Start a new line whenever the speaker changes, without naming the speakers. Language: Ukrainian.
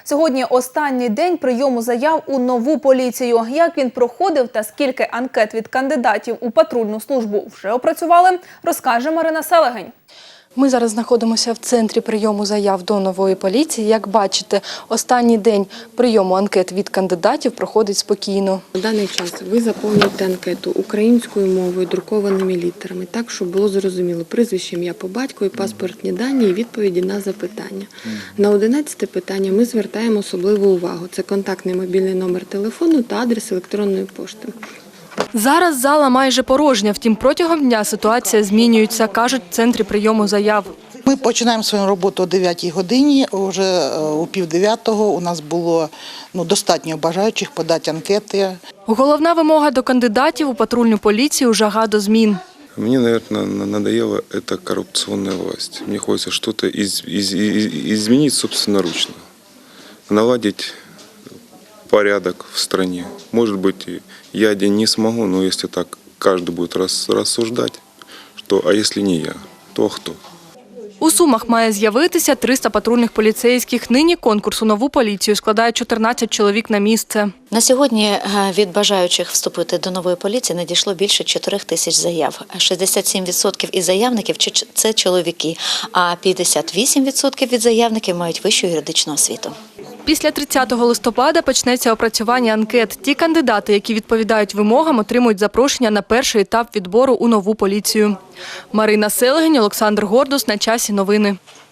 Сьогодні останній день прийому заяв у нову поліцію. Як він проходив та скільки анкет від кандидатів у патрульну службу вже опрацювали, розкаже Марина Селегень.
Ми зараз знаходимося в центрі прийому заяв до нової поліції. Як бачите, останній день прийому анкет від кандидатів проходить спокійно.
На даний час ви заповнюєте анкету українською мовою, друкованими літерами, так, щоб було зрозуміло прізвище, ім'я по батькові, паспортні дані і відповіді на запитання. На 11-те питання ми звертаємо особливу увагу. Це контактний мобільний номер телефону та адрес електронної пошти.
Зараз зала майже порожня, втім протягом дня ситуація змінюється, кажуть в центрі прийому заяв.
Ми починаємо свою роботу о 9-й годині, вже о 8:30 у нас було достатньо бажаючих подати анкети.
Головна вимога до кандидатів у патрульну поліцію – жага до змін.
Мне, наверное, надоела эта коррупционная власть. Мне хочется что-то изменить собственноручно, наладить порядок в стране. Может быть, я один не смогу, но если так каждый будет рассуждать, что а если не я, то кто?
У Сумах має з'явитися 300 патрульних поліцейських. Нині конкурс у нову поліцію складає 14 чоловік на місце.
На сьогодні від бажаючих вступити до нової поліції надійшло більше 4 тисяч заяв. 67% із заявників – це чоловіки, а 58% від заявників мають вищу юридичну освіту.
Після 30 листопада почнеться опрацювання анкет. Ті кандидати, які відповідають вимогам, отримують запрошення на перший етап відбору у нову поліцію. Марина Селегень, Олександр Гордус. На часі новини.